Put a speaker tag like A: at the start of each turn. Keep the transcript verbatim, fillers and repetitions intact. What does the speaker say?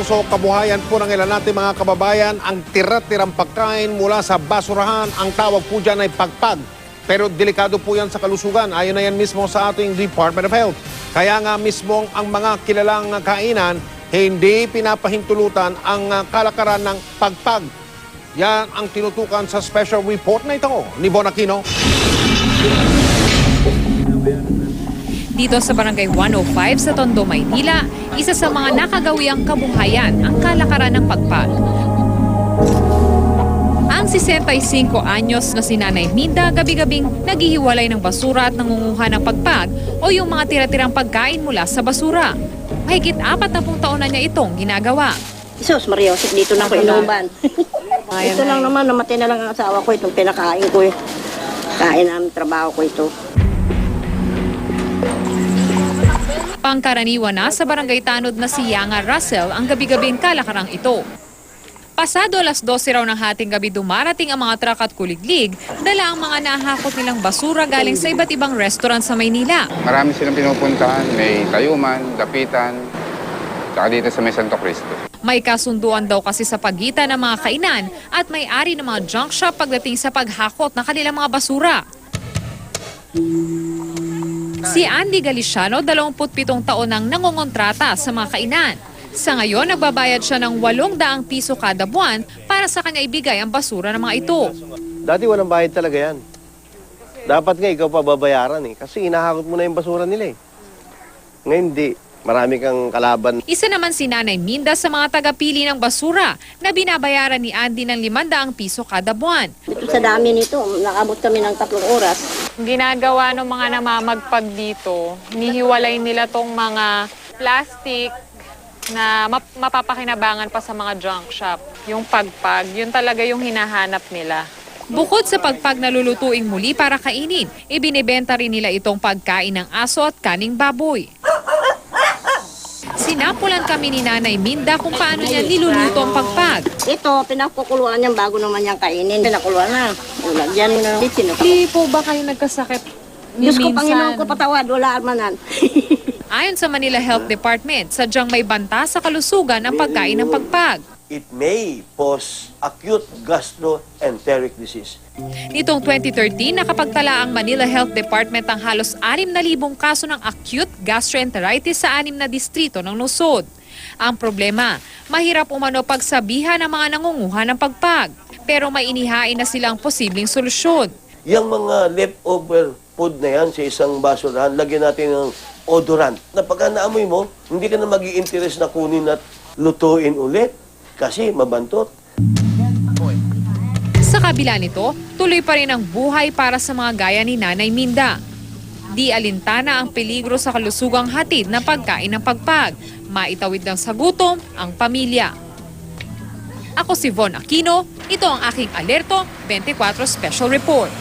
A: nasuso kabuhayan po ng ilan natin mga kababayan, ang tira-tirang pagkain mula sa basurahan, ang tawag po dyan ay pagpag. Pero delikado po yan sa kalusugan, ayon na yan mismo sa ating Department of Health. Kaya nga mismo ang mga kilalang kainan, hindi pinapahintulutan ang kalakaran ng pagpag. Yan ang tinutukan sa special report na ito ni Bon Aquino.
B: Dito sa Barangay one oh five sa Tondo, Maynila, isa sa mga nakagawiang kabuhayan ang kalakaran ng pagpag. Ang sesenta-y-singko anyos na si Nanay Minda gabi-gabing naghihiwalay ng basura at nangunguha ng pagpag o yung mga tira-tirang pagkain mula sa basura. Mahigit apat na pung taon na niya itong ginagawa.
C: Sus, Mariosip, dito na ako inuban. Ito lang naman, namatay na lang ang asawa ko, itong pinakain ko eh. Kain namin, trabaho ko ito.
B: Pangkaraniwan na sa barangay tanod na si Yanga Russell ang gabi-gabing kalakarang ito. Pasado alas dose raw ng hating gabi dumarating ang mga truck at kuliglig, dala ang mga nahakot nilang basura galing sa iba't ibang restaurant sa Maynila.
D: Marami silang pinupuntahan, may Tayuman, Dapitan, saka dito sa may Santo Cristo.
B: May kasunduan daw kasi sa pagitan ng mga kainan at may-ari ng mga junk shop pagdating sa paghakot ng kanilang mga basura. Si Andy Galiciano, dalawampu't pitong taon nang nangongontrata sa mga kainan. Sa ngayon, nagbabayad siya ng walong daang piso kada buwan para sa kanya ibigay ang basura ng mga ito.
E: Dati walang bayad talaga yan. Dapat nga ikaw pa babayaran eh. Kasi inahakot mo na yung basura nila eh. Ngayon hindi. Marami kang kalaban.
B: Isa naman si Nanay Minda sa mga tagapili ng basura na binabayaran ni Andy ng limandaang piso kada buwan.
C: Ito sa dami nito, nakabot kami ng tatlong oras.
F: Ginagawa ng mga namamagpag dito, nihiwalay nila tong mga plastic na map- mapapakinabangan pa sa mga junk shop. Yung pagpag, yun talaga yung hinahanap nila.
B: Bukod sa pagpag na lulutuing muli para kainin, ibinibenta rin nila itong pagkain ng aso at kaning baboy. Sinapulan kami ni Nanay Minda kung paano niya niluluto ang pagpag.
C: Ito, pinakukuluan niyan bago naman niyang kainin. Pinakuluan na. Lagyan mo na ng bitsin.
F: Hindi po ba kayo nagkasakit ni
C: Diyos ko,
F: minsan?
C: Panginoon ko, patawad. Wala armanan.
B: Ayon sa Manila Health Department, sadyang may banta sa kalusugan ang pagkain ng pagpag.
E: It may cause acute gastroenteric disease.
B: Nitong twenty thirteen, nakapagtala ang Manila Health Department ang halos anim na libong kaso ng acute gastroenteritis sa anim na distrito ng lungsod. Ang problema, mahirap umano pagsabihan ng mga nangunguha ng pagpag. Pero may inihain na silang posibleng solusyon.
E: Yung mga leftover food na yan sa isang basurahan, lagyan natin ng odorant. Na pagka naamoy mo, hindi ka na mag-i-interest na kunin at lutuin ulit kasi mabantot.
B: Sa kabila nito, tuloy pa rin ang buhay para sa mga gaya ni Nanay Minda. Di alintana ang peligro sa kalusugang hatid ng pagkain ng pagpag. Maitawid lang sa gutom ang pamilya. Ako si Von Aquino, ito ang aking Alerto twenty-four Special Report.